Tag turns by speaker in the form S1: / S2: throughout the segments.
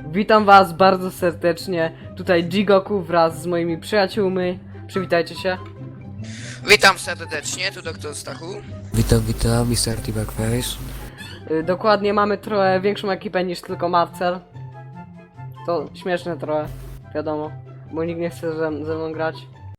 S1: Witam was bardzo serdecznie, tutaj Jigoku wraz z moimi przyjaciółmi. Przywitajcie się.
S2: Witam serdecznie, tu doktor Stachu.
S3: Witam, Mr. T-Backface.
S1: Dokładnie, mamy trochę większą ekipę niż tylko Marcel. To śmieszne trochę, wiadomo, bo nikt nie chce ze mną grać.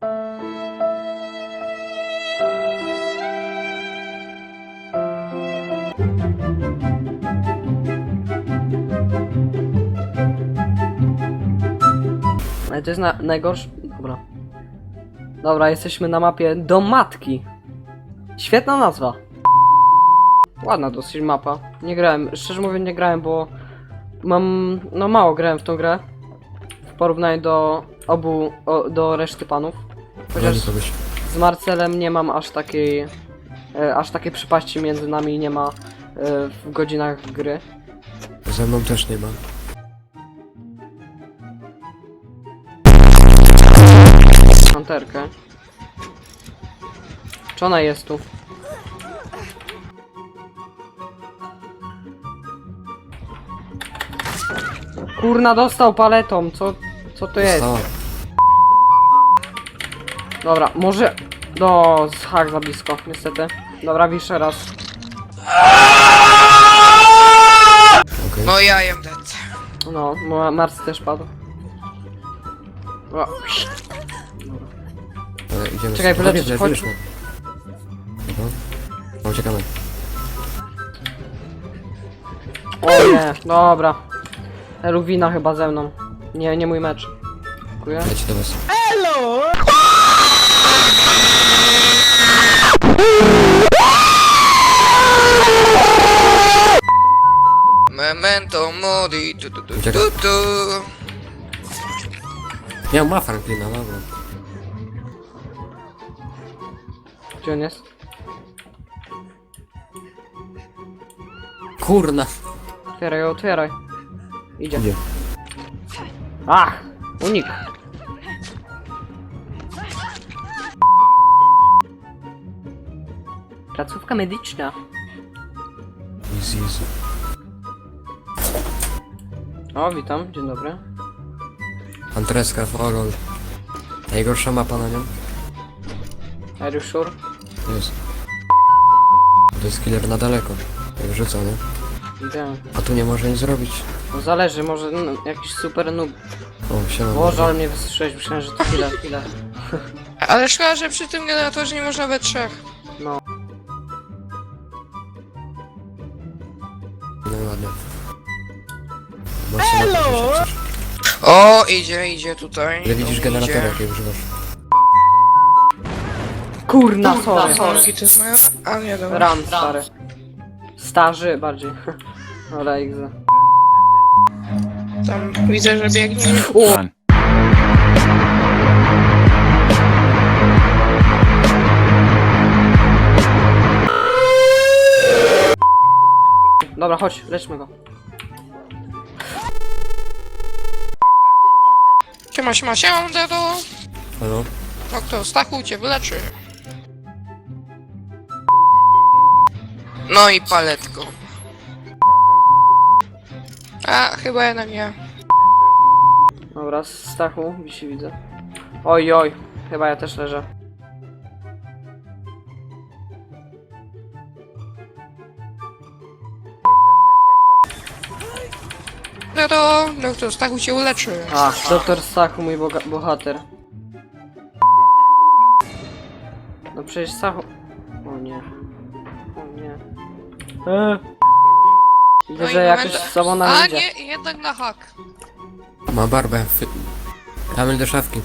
S1: Ale to jest najgorsze. Dobra, jesteśmy na mapie Dom Matki. Świetna nazwa. Ładna dosyć mapa. Nie grałem, szczerze mówiąc nie grałem, bo mało grałem w tą grę. W porównaniu do do reszty panów. Chociaż z Marcelem nie mam aż takiej przepaści między nami nie ma w godzinach gry.
S3: Ze mną też nie ma.
S1: Panterkę. Czy ona jest tu? Kurna, dostał paletą, co to jest?
S3: Dostała.
S1: Dobra, może... hak za blisko, niestety. Dobra, wiszę raz.
S3: Okej.
S2: No ja am dead.
S1: No, Mars też padł. O,
S3: Idziemy.
S1: Czekaj, wyleczyć,
S3: Chodź.
S1: chodź.
S3: No, uciekamy.
S1: o nie, dobra. Luwina chyba ze mną. Nie mój mecz. Dziękuję.
S3: Leci do was.
S2: Memento mori, tu.
S3: Uciekaj. Ja ma Franklina, dobra.
S1: Gdzie on jest?
S3: Kurna.
S1: Otwieraj. Idzie.
S3: Idzie.
S1: Ach! Unik! Placówka medyczna.
S3: Easy.
S1: O, witam, dzień dobry.
S3: Antreska, Forol. Najgorsza mapa na nią.
S1: Are you sure?
S3: Jest. To jest killer na daleko. Jak rzuca, nie?
S1: Idę.
S3: A tu nie może nic zrobić.
S1: No zależy, może jakiś super noob.
S3: O, siema.
S1: Boże, ale mnie wystrzeliłeś, myślałem, że to chwilę.
S2: Ale szkoda, że przy tym generatorze nie można we trzech.
S1: No.
S3: No i ładnie. Hello!
S2: O, idzie tutaj.
S3: Ile widzisz
S2: O,
S3: generatora,
S2: idzie.
S3: jakiej używasz?
S1: Kurna, sorry.
S2: Sorki, to jest moja... A nie, dobra.
S1: Ram, stary. Starzy bardziej. Dobra, egza.
S2: Tam widzę, że biegnie.
S1: O! Dobra, chodź, leczmy go.
S2: Siema, dedo.
S3: Halo?
S2: Doktor Stachu cię wyleczy. No i paletką. A, chyba jednak nie.
S1: Dobra, Stachu, wisi widzę. Oj, chyba ja też leżę.
S2: Dedo, doktor Stachu cię uleczy.
S1: A, doktor Stachu, mój bohater. No przecież Stachu... O nie. Widzę,
S2: No i
S1: że jakoś
S2: moment-
S1: z sobą
S2: A
S1: nam idzie.
S2: nie, jednak na hak.
S3: Ma barbę. Kamil do szafki.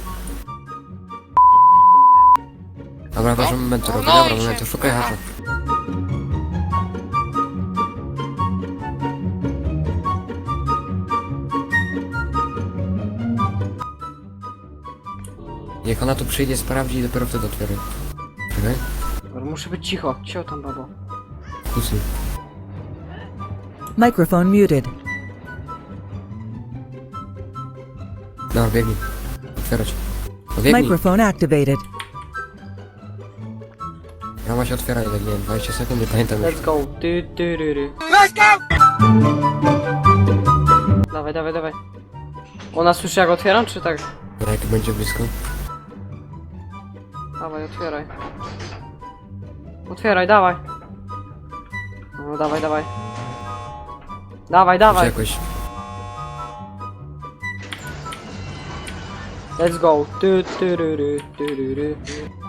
S3: Dobra, ważny moment robi.
S2: no
S3: Dobra,
S2: i
S3: moment,
S2: się-
S3: szukaj hacza. Niech ona tu przyjdzie, sprawdzi i dopiero wtedy otwiera. Czekaj.
S1: Dobra, muszę być cicho. Cicho tam, babo.
S3: Kusy.
S4: Microphone muted.
S3: Dobra, biegnij. Otwierać. No biegnij.
S4: Microphone activated.
S3: Rama się otwiera, ile nie wiem, 20 sekund, nie pamiętam już.
S1: Let's go. Let's go! Dawaj. Ona słyszy jak otwieram, czy tak?
S3: A jak będzie blisko?
S1: Dawaj, otwieraj. Otwieraj, dawaj. No, dawaj, dawaj. Dawaj, dawaj.
S3: Jakoś.
S1: Let's go. Tu, tu, ru, ru, tu, ru, ru.